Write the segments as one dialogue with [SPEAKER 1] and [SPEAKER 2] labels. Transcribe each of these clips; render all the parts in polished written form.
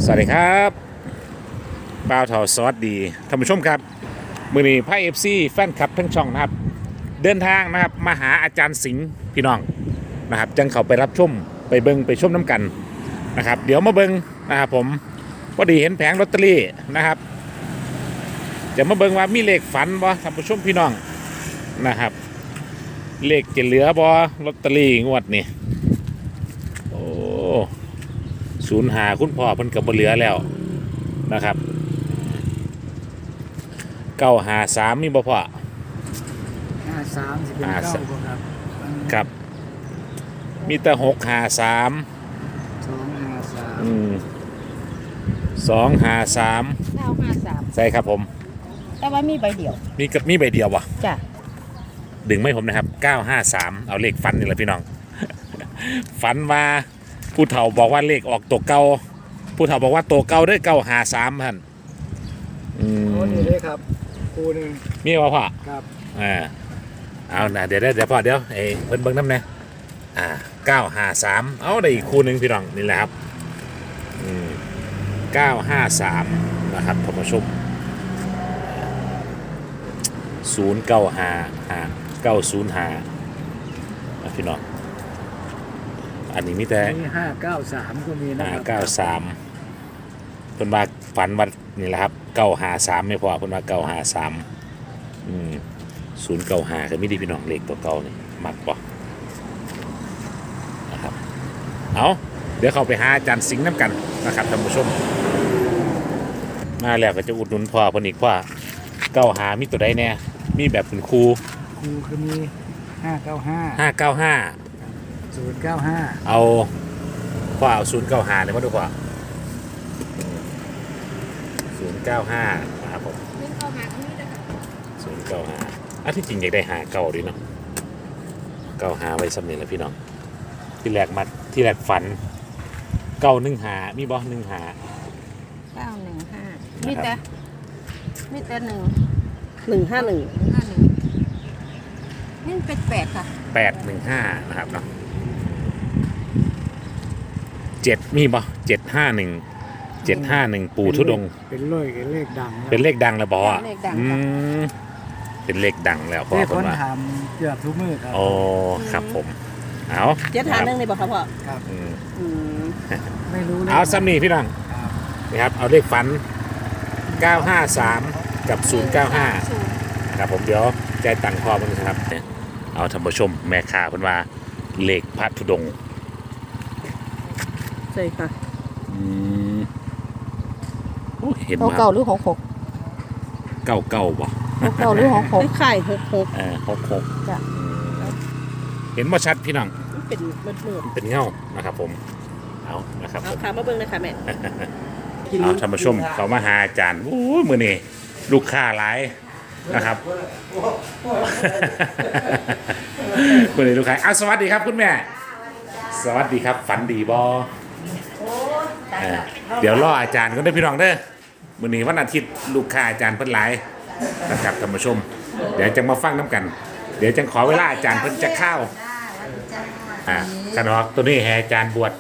[SPEAKER 1] สวัสดีครับบ่าวเถาสวัสดีท่านผู้ชมครับมือนี้ไพ่เอฟซีแฟนคลับทั้งช่องนะครับเดินทางนะครับมาหาอาจารย์สิงห์พี่น้องนะครับจังเขาไปรับชมไปเบิงไปชมน้ำกันนะครับเดี๋ยวมาเบิงนะครับผมพอดีเห็นแผงลอตเตอรี่นะครับจะมาเบิงว่ามีเลขฝันบ่ท่านผู้ชมพี่น้องนะครับเลขจะเหลือบ่ลอตเตอรี่งวดนี้โอ้05คุณพ่อเพิ่นก็บ่เหลือแล้วนะครับ953มีบ่พ่อ
[SPEAKER 2] 53สิเป็น9บ่ครับ
[SPEAKER 1] ครับมีแต่653 253
[SPEAKER 3] 953
[SPEAKER 1] ใช่ครับผม
[SPEAKER 3] แต่ว่ามีใบเดียว
[SPEAKER 1] มีใบเดียววะ
[SPEAKER 3] จ้ะ
[SPEAKER 1] ดึงไม่ผมนะครับ953เอาเลขฟันนี่แหละพี่น้อง ฝันว่าผู้เฒ่าบอกว่าเลขออกตัวเก่าผู้เฒ่าบอกว่าตัวเก่าได้953ท่าน
[SPEAKER 2] โอ้นี่เลยครับครูนึง
[SPEAKER 1] มีว่าพ่อ
[SPEAKER 2] ครับ
[SPEAKER 1] เอานะเดี๋ยวพ่อเดี๋ยวเพิ่นเบิ่งน้ำนะ953เอาได้อีกคู่หนึ่งพี่น้องนี่แหละครับ953นะครับท่านผู้ชม0955 พี่น้องอันนี้มีแต่
[SPEAKER 2] 593ก็มีนะครับ
[SPEAKER 1] 593เพิ่นว่าฝันว่านี่แหละครับ953ไม่พอเพิ่นว่า953095ก็มีดีพี่น้องเลขตัวเก่านี่มักบ่นะครับเอาเดี๋ยวเข้าไปหาอาจารย์สิงห์น้ำกันนะครับท่านผู้ชมมาแล้วก็จะอุดหนุนพ่อเพิ่นอีกพ่อ95มีตัวใดแน่มีแบบเป็นครู
[SPEAKER 2] คือมี
[SPEAKER 1] 595
[SPEAKER 2] 095
[SPEAKER 1] เอาพ่อเอา095เลยมาดูพ่อ095นะครับผม095ที่จริงอยากได้59ด้วยเนาะ95ไว้สำเนียงแล้วพี่น้องที่แรกฝัน915มีบ่15
[SPEAKER 3] 915มีแต่151นี่เป็น8ค่ะ
[SPEAKER 1] 815นะครับเนาะ7มีบ่751ปู่ทุดง
[SPEAKER 2] เป็นเลขดัง
[SPEAKER 1] เป็นเลขดังแล้วบ่อ่ะเป็นเลขดังแล้วพ่อ
[SPEAKER 2] คนว่าถามเกือบทุกมื้อครับ
[SPEAKER 1] โอ้ครับผมเอา
[SPEAKER 3] 751นี่บ่ครับพ่อ
[SPEAKER 2] ครับไม่รู้
[SPEAKER 1] เอาซ้ำนี่พี่น้องนี่ครับเอาเลขฝัน953กับ095ครับผมเดี๋ยวใจตังค์พ่อมันครับเอาท่านผู้ชมแม่ค้าเพิ่นว่าเลขพระธุดงค์
[SPEAKER 3] ใช่ค่ะ
[SPEAKER 1] เห็น
[SPEAKER 3] เก่าหรือ66
[SPEAKER 1] เก่าบ่
[SPEAKER 3] เก่าหรือ66ไข่
[SPEAKER 1] 66จ้ะเห็นบ่ชัดพี่น้อง
[SPEAKER 3] เป็นมืด
[SPEAKER 1] เป็นเงานะครับผมเอานะครับ
[SPEAKER 3] เอาขามาเบิ่งเลยค่ะแม่
[SPEAKER 1] เอาท่านผู้ชมเขามาหาอาจารย์โอ้ยมื้อนี้ลูกค้าหลายนะครับมื้อนี้ลูกค้าสวัสดีครับคุณแม่สวัสดีครับฝันดีบ่เดี๋ยวรออาจารย์ก็ได้พี่น้องเด้อมื้อนี้วันอาทิตย์ลูกค้าอาจารย์เพิ่นหลายนะครับท่านผู้ชมเดี๋ยวจะมาฟังน้ำกันเดี๋ยวจะขอเวลาอาจารย์เพิ่นจะเข้ากันออกตัวนี้ให้อาจารย์บวช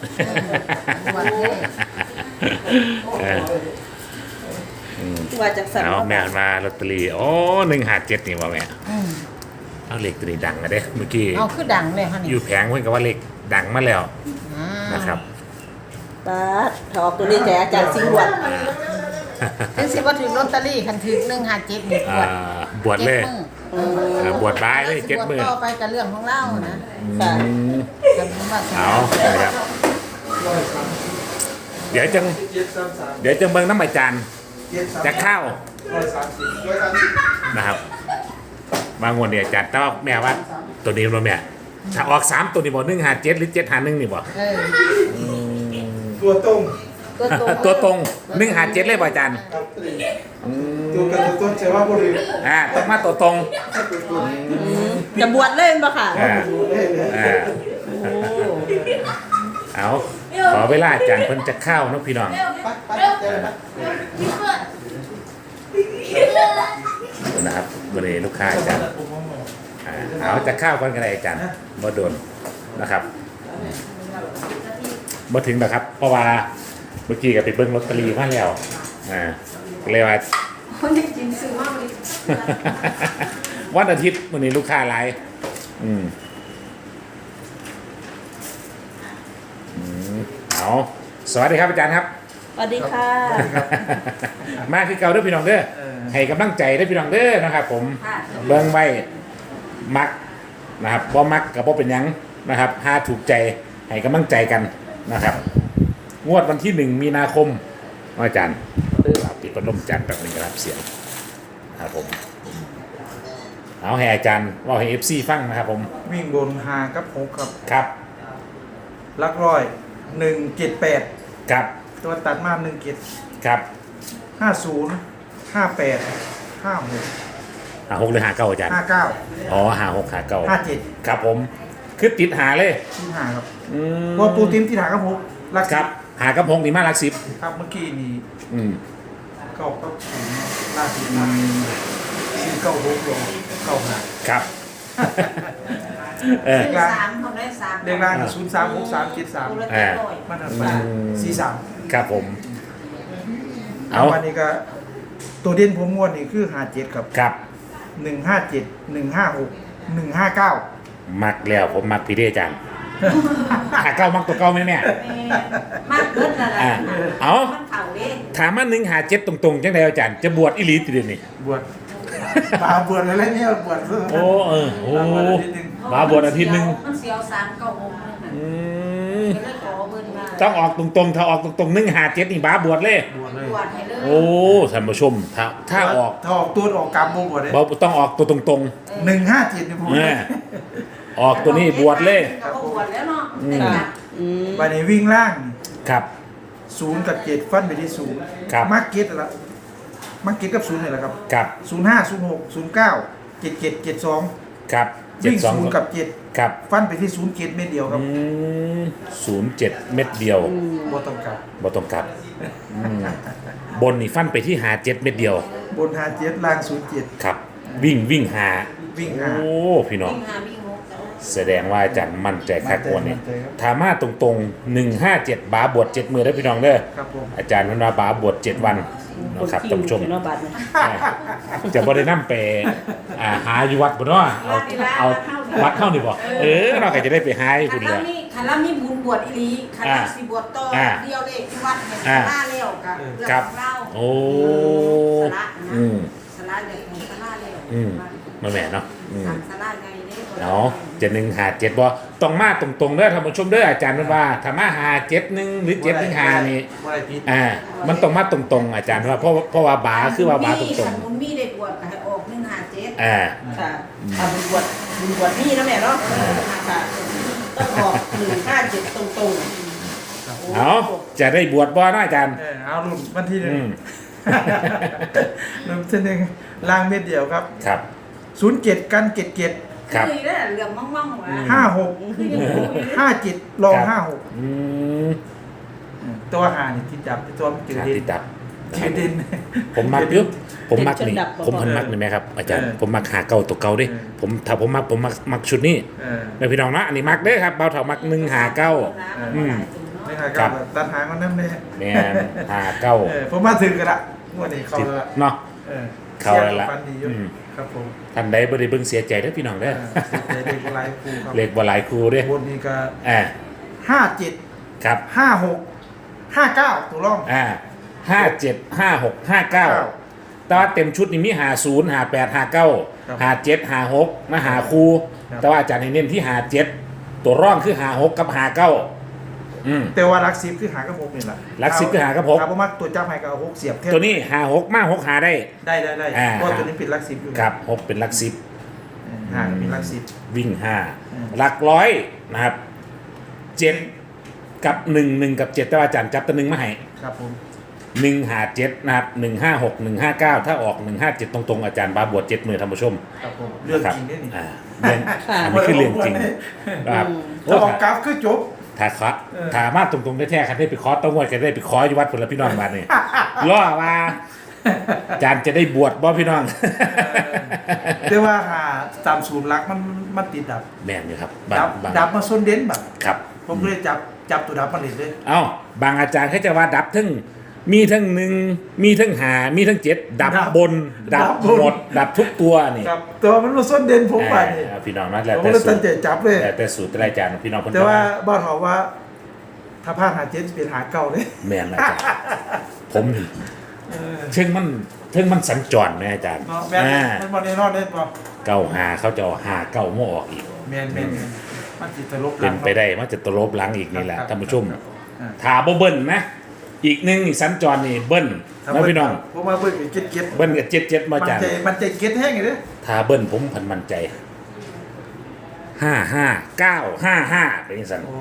[SPEAKER 3] ว่าจากสัน
[SPEAKER 1] เอาแม่มาลอตเตอรี่โอ้157นี่ว่าแม่เอาเลขตัวนี้ดังอะเด้เมื่อกี้
[SPEAKER 3] เอาคือดังเลยค่ะนี่
[SPEAKER 1] อยู่แผงเพิ่นก็ว่าเลขดังมาแล้วนะครับ
[SPEAKER 3] ป้าถอกตัวนี้แกอาจารย์สิงห์บวชจังสิว่าถึงลอตเตอรี่คันถึง157นี่
[SPEAKER 1] บวชเลยบวชบายเลย7 มื้อ
[SPEAKER 3] ต่อไปกับเรื่องของเรานะ
[SPEAKER 1] เอาครับเดี๋ยวจังเบิ่งน้ำอาจารย์จะเข้านะครับบางวันเนี่ยอาจารย์ต้องแม่ว่าตัวนี้บ่แม่ถ้าออก3ตัวนี้บ่157หรือ751นี่บ่
[SPEAKER 2] ตัวตรง
[SPEAKER 1] 157เลยบ่อาจารย์
[SPEAKER 2] ตัวกันตัวต้นใช่ว่าบ่ได้
[SPEAKER 1] ต้องมาตัวตรง
[SPEAKER 3] จะบวชเล่นป่ะค่ะ
[SPEAKER 1] เอาขอเวลาอาจารย์เพิ่นจะเข้าเนาะพี่น้องนะครับวันนี้ลูกค้าอาจารย์เอาจะเข้าก่อนกันเลยอาจารย์บ่โดนนะครับบ่ถึงนะครับเพราะว่าเมื่อกี้ก็ไปเบิ้งลอตเตอรี่มาแล้วก็เลยว่า
[SPEAKER 3] คนจริงซื้อมากเลย
[SPEAKER 1] วันอาทิตย์วันนี้ลูกค้าหลายอืมเอาสวัสดีครับอาจารย์ครับ
[SPEAKER 3] สวัสดีค่ะ
[SPEAKER 1] มาคือเก่าเด้อพี่น้องเด้อให้กำลังใจเด้อพี่น้องเด้อนะครับ ผมเบิ่งไว้มักนะครับบ่มักกับบ่เป็นหยังนะครับถ้าถูกใจให้กำลังใจกันนะครับ งวดวันที่1 มีนาคมอาจารย์ปิดพัดลมจัดแบบนี้ครับเสียงครับผมเอาให้อาจารย์ว่าให้ FC ฟังนะครับผม
[SPEAKER 2] วิ่งบนหากับหกครับ
[SPEAKER 1] ครับ
[SPEAKER 2] ลักร้อย178
[SPEAKER 1] ครับ
[SPEAKER 2] ตัวตัดมา17
[SPEAKER 1] ครับ
[SPEAKER 2] 50 58 56
[SPEAKER 1] 6หรือ59อาจารย์
[SPEAKER 2] 59
[SPEAKER 1] อ๋อ56 59
[SPEAKER 2] 57
[SPEAKER 1] ครับผมคือติดหาเลย
[SPEAKER 2] ที่หาครับ
[SPEAKER 1] อืม
[SPEAKER 2] เพราะปูตินที่หากับหกลัก
[SPEAKER 1] ครับหากระพงนี่มาลักสิบ
[SPEAKER 2] ครับเมื่อกี้นี่
[SPEAKER 1] อืม
[SPEAKER 2] เก้ากับศูนย์ล่าสุดมันซื้อเก้าหกลงเก้าหา
[SPEAKER 1] ครับ เออ
[SPEAKER 3] ซื้อสามเขาได้สาม
[SPEAKER 2] เรียกร่าง036373
[SPEAKER 3] ตัวละเจ็ดร้อย
[SPEAKER 2] มันอันมา43
[SPEAKER 1] ครับผม เอา
[SPEAKER 2] วันนี้ก็ตัวเด่นผมงวดนี่คือ57ครับ
[SPEAKER 1] ครับ
[SPEAKER 2] 157 156 159
[SPEAKER 1] มักแล้วผมมักพี่เด้จังหาเก้ามักตัวเก้าไหมแม่
[SPEAKER 3] มากเกินนั่นแหละ
[SPEAKER 1] เอา
[SPEAKER 3] มันเข่าเด้
[SPEAKER 1] ถามมา157ตรงๆจังไดอาจารย์จะบวชอีหลีติเดยวนี่
[SPEAKER 2] บวชบาบวชอะไรเนี่ยบวช
[SPEAKER 1] โอ้โอ้
[SPEAKER 2] บวชนิดนึง
[SPEAKER 1] มาบวชอาทิตย์หนึ่ง
[SPEAKER 3] มันเสียว396นั่นน่ะ
[SPEAKER 1] อืม
[SPEAKER 3] ก็เลยขอเบิ่นมา
[SPEAKER 1] ต้องออกตรงๆถ้าออกตรงๆ157นี่บ้าบวชเลย
[SPEAKER 2] บวชเลย
[SPEAKER 3] บวชให้เลย
[SPEAKER 1] โอ้ท่านผู้ชมถ้าออก
[SPEAKER 2] ถ้าออกตัวออกกรรมบวชเลย
[SPEAKER 1] บ่ต้องออกตัวตรง
[SPEAKER 2] 157นี่ผม
[SPEAKER 1] ๆออกตัวนี้บวชเลย
[SPEAKER 3] ก็บวชแล้วเนาะแต่กัด
[SPEAKER 2] วันนี้วิ่งล่าง
[SPEAKER 1] ครับ
[SPEAKER 2] 0 กับ 7 ฟันไปที่
[SPEAKER 1] ครับ
[SPEAKER 2] 0มาร์เก็ตละมาร์เก็ตกับ0นี่แหละครับ
[SPEAKER 1] ครับ
[SPEAKER 2] 05 06 09 77 72
[SPEAKER 1] ครับ
[SPEAKER 2] วิ่ง
[SPEAKER 1] 72
[SPEAKER 2] 0 กับ
[SPEAKER 1] ครับ
[SPEAKER 2] 7 ฟันไปที่0เกตเม็ดเดียวครับ
[SPEAKER 1] 07 เม็ดเดียว
[SPEAKER 2] บ่ต้องกลับ
[SPEAKER 1] บ่ต้องกลับ บนนี่ฟันไปที่หา7เม็ดเดียว
[SPEAKER 2] บน57ล่าง07
[SPEAKER 1] ครับ วิ่งหา
[SPEAKER 2] วิ่ง
[SPEAKER 1] โอ้
[SPEAKER 2] หา
[SPEAKER 1] พี่น้อง
[SPEAKER 3] วิ่งหาวิ่งหก
[SPEAKER 1] แสดงว่าอาจารย์มั่นใจคักวันนี้
[SPEAKER 2] มั่นใจครับ
[SPEAKER 1] ถามาตรงๆ 157 บาบวช7มือได้อพี่น้องเด้อ
[SPEAKER 2] ครับผม
[SPEAKER 1] อาจารย์เพันว่าบาบวช7 วันนะครับท่านผู้ชม จะบ่ได้นำไปหาอยู่วัดบ่เนาะเอาวัดเข้านี่บ่เราก็จะได้ไปหาให้
[SPEAKER 3] คั
[SPEAKER 1] คุ
[SPEAKER 3] น
[SPEAKER 1] ณเล
[SPEAKER 3] ล่าย มีคันล่ามีบุญบวชอีหลีคันล่าสิบวชต่อเดียวเลยที่วัดเนี่ยสละแล้วกับเรื่องของเรา
[SPEAKER 1] โอ้
[SPEAKER 3] สละนะสละเด็กของสละแล้ว
[SPEAKER 1] มาแม่เนาะ
[SPEAKER 3] ทำสละไงเด้
[SPEAKER 1] เนาะ157บ่ต้องมาตรงๆเด้อท่านผู้ชมเด้ออาจารย์เพิ่นว่าถ้ามา51หรือ715นี่
[SPEAKER 2] บ่ได้ผิด
[SPEAKER 1] มันต้องมาตรงๆอาจารย์ว่าเพราะว่าบาคือว่าบาตรง
[SPEAKER 3] บุญมีได้บวชก็ให้ออก157
[SPEAKER 1] ๆ
[SPEAKER 3] ค่ะบุญบวชมีนะแม่เนาะค่ะต้องออก157ตรงๆ
[SPEAKER 1] เอาจะได้บวชบ่นะอาจารย์
[SPEAKER 2] เอารุ่นวันที่หนึ่
[SPEAKER 1] อื
[SPEAKER 2] ง
[SPEAKER 1] ม
[SPEAKER 2] รุ่นที่หนึ่งล่างเม็ดเดียวครับ
[SPEAKER 1] ครับ
[SPEAKER 2] 07กัน77
[SPEAKER 1] ครับ
[SPEAKER 3] คือได้เหลืองมั่งๆว่ะ
[SPEAKER 2] 56
[SPEAKER 3] คือยังบ่อยู่เลย
[SPEAKER 2] 57ลอง
[SPEAKER 1] อืม
[SPEAKER 2] 56ตัวหานี่ที่จับตัวมันจืด
[SPEAKER 1] หา
[SPEAKER 2] ดิน
[SPEAKER 1] ติดดับ
[SPEAKER 2] จืดดิน
[SPEAKER 1] ผมมักอยู่ผมมักนี่ผมพันมักนี่ไหมครับอาจารย์
[SPEAKER 2] เออ
[SPEAKER 1] ผมมักหาเก่าตัวเก่าดิ
[SPEAKER 2] เออ
[SPEAKER 1] ถ้าผมมักชุดนี้
[SPEAKER 2] เออ
[SPEAKER 1] แม่พี่น้องนะอันนี้มักเด้อครับเบาเถามัก1หาเก้า อืม
[SPEAKER 2] นี่ค่ะ
[SPEAKER 1] ครั
[SPEAKER 2] กับบ ตัดหางมันนั่นเลย
[SPEAKER 1] แม่นหาเก้า
[SPEAKER 2] ผมมาถึงกันละงวดนี้เขาแล้วละ
[SPEAKER 1] เนาะ
[SPEAKER 2] เออ
[SPEAKER 1] เข้าแล้วละ
[SPEAKER 2] ฟันดีอยู่
[SPEAKER 1] อืม
[SPEAKER 2] ครับผม
[SPEAKER 1] ท่านใดบ่ได้เบิ่งเสียใจเด้อพี่น้องเด้อ
[SPEAKER 2] เด็กลายครูครับ
[SPEAKER 1] เลขบ่หลายครูเด้อบ
[SPEAKER 2] นนี้ก็
[SPEAKER 1] อ่า
[SPEAKER 2] 57
[SPEAKER 1] ครับ
[SPEAKER 2] 56 59ตัวร่อง
[SPEAKER 1] 57 56 59แต่ว่าเต็มชุดนี่มี50 58 59 57 56มาหาครูแต่ว่าอาจารย์ให้เน้นที่57ตัวร่องคือ56กับ59
[SPEAKER 2] แต่ว่ารักซิปคือหากับ6นี่แหละ
[SPEAKER 1] รักซิปคือหากับหก
[SPEAKER 2] ครับผมมักตัวจับให้กับเอา6เสียบแค่
[SPEAKER 1] ตัวนี้56มา6หาได้
[SPEAKER 2] ได้
[SPEAKER 1] อ่า
[SPEAKER 2] เพราะตัวนี้เป็นรักซิปอยู่
[SPEAKER 1] ครับ6เป็นหลัก10
[SPEAKER 2] หาเป็นรักซิป
[SPEAKER 1] วิ่ง
[SPEAKER 2] อืม
[SPEAKER 1] 5หลักร้อยนะครับ7กับ1กับ7แต่ว่าอาจารย์จับตัวหนึงมาให้
[SPEAKER 2] ครับผม
[SPEAKER 1] 157นะครับ156 159ถ้าออก157ตรงๆอาจารย์บาบวช7มือท่านผู้ชม
[SPEAKER 2] ครับผมเรื่อง
[SPEAKER 1] ครับ
[SPEAKER 2] จริงเนี่ยนี่
[SPEAKER 1] เรื่องอันนี้คือเรื่องจริงนะครับโอ้
[SPEAKER 2] ถ้าออกกราฟคือจบ
[SPEAKER 1] ถ้าขอถ้ามาตรงๆแท้ๆคันได้ไปขอต้องงวดกันได้ไปขออยู่วัดผลพี่น้องมาเนี่ยล่อว่าอาจารย์จะได้บวชบ่พี่น้อง
[SPEAKER 2] แต่ว่าหาตามศูนย์รักมันติดดับ
[SPEAKER 1] แม่นอยู่ครับ
[SPEAKER 2] ดับมาโซนเด่นแบบ
[SPEAKER 1] ครับ
[SPEAKER 2] ผมเลยจับจับตัวดับมาเลยเลย
[SPEAKER 1] เอ้าบางอาจารย์เขาจะว่าดับทั้งมีทั้งหนึ่งมีทั้งหามีทั้งเจ็ดดับบนดับหมดดับทุกตัวนี่
[SPEAKER 2] ครับตัวมันมาส้นเด่นผมไปนี่
[SPEAKER 1] พี่น้องนะแล้ว
[SPEAKER 2] ผม
[SPEAKER 1] แต่
[SPEAKER 2] เลย
[SPEAKER 1] สู
[SPEAKER 2] ตั้
[SPEAKER 1] ต
[SPEAKER 2] ง
[SPEAKER 1] ร
[SPEAKER 2] ใจจับเลย
[SPEAKER 1] แล้วแต่สูตรแต่ละอาจารย์พี่น้องคน
[SPEAKER 2] แต่ว่าบ้านเขาว่า ถ้าพลาดหาเจ็ดเป็นหาเก่าเลย
[SPEAKER 1] แม่นอาจารย์ผมนี่เชิงมันสัญจรนะอาจารย์
[SPEAKER 2] เนาะแม่มันบอลแน่นอนเลยป่ะ
[SPEAKER 1] เก้าหาเขาจะเอาหาเก้าโม่ออกอีก
[SPEAKER 2] แม่นมันจิตตลบ
[SPEAKER 1] เป็นไปได้มันจะตลบหลังอีกนี่แหละท่านผู้ชม
[SPEAKER 2] ครับ
[SPEAKER 1] ถาบ่เบิ้ลนะอีกหนึ่งนี่สัญจรนี่เบิ้ลนะพี่น้อง
[SPEAKER 2] ผมมาเบิ่งเก็ตเก็ต
[SPEAKER 1] เบิ้ลกับเจ็ดมา
[SPEAKER 2] มัน
[SPEAKER 1] จาก
[SPEAKER 2] ใจมันใจเก็ตแห้งเลย
[SPEAKER 1] ถ้าเบิ้ลผมพันมั่นใจ55 955เป็นสัน
[SPEAKER 2] โอ้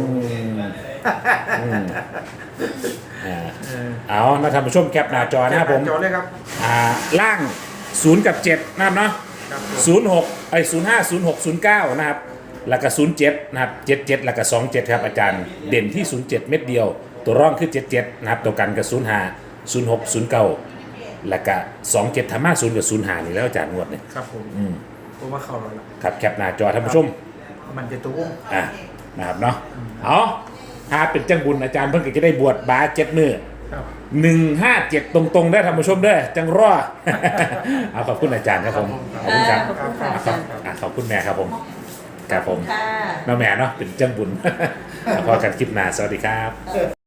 [SPEAKER 1] เอานะท่านผู้ชมแคปหน้าจอนะครับผม
[SPEAKER 2] จอเลยครับ
[SPEAKER 1] ล่าง0กับ7นะครับเนาะ
[SPEAKER 2] ครับผม
[SPEAKER 1] 0605 06 09นะครับแล้วก็07นะครับ77แล้วก็27ครับอาจารย์เด่นที่07เม็ดเดียว ตัวร่องคือ77นะครับตัวกันกับ05 06 09แล้วก็27ธรรมะ0กับ05นี่แล้วอาจารย์งวดเนี่ย
[SPEAKER 2] ครับผมผมว่าเข้าแล้วล่ะ
[SPEAKER 1] ครับแคปหน้าจอท่านผู้ชม
[SPEAKER 2] มันจะตัววง
[SPEAKER 1] นะครับเนาะเอาถ้าเป็นจังบุญอาจารย์เพิ่งจะได้บวชบา7มื้อ
[SPEAKER 2] ครับ
[SPEAKER 1] 157 ตรงๆได้ท่านผู้ชมเด้อจังรอ เอาขอบคุณอาจารย์ครับผมขอบคุณครับ
[SPEAKER 3] ขอบคุณค่ะอาจารย์
[SPEAKER 1] ขอบคุณแม่ครับผมครับผม
[SPEAKER 3] ค่ะ
[SPEAKER 1] น้าแม่เนาะเป็นจังบุญ พอกันคลิปหน้าสวัสดีครับ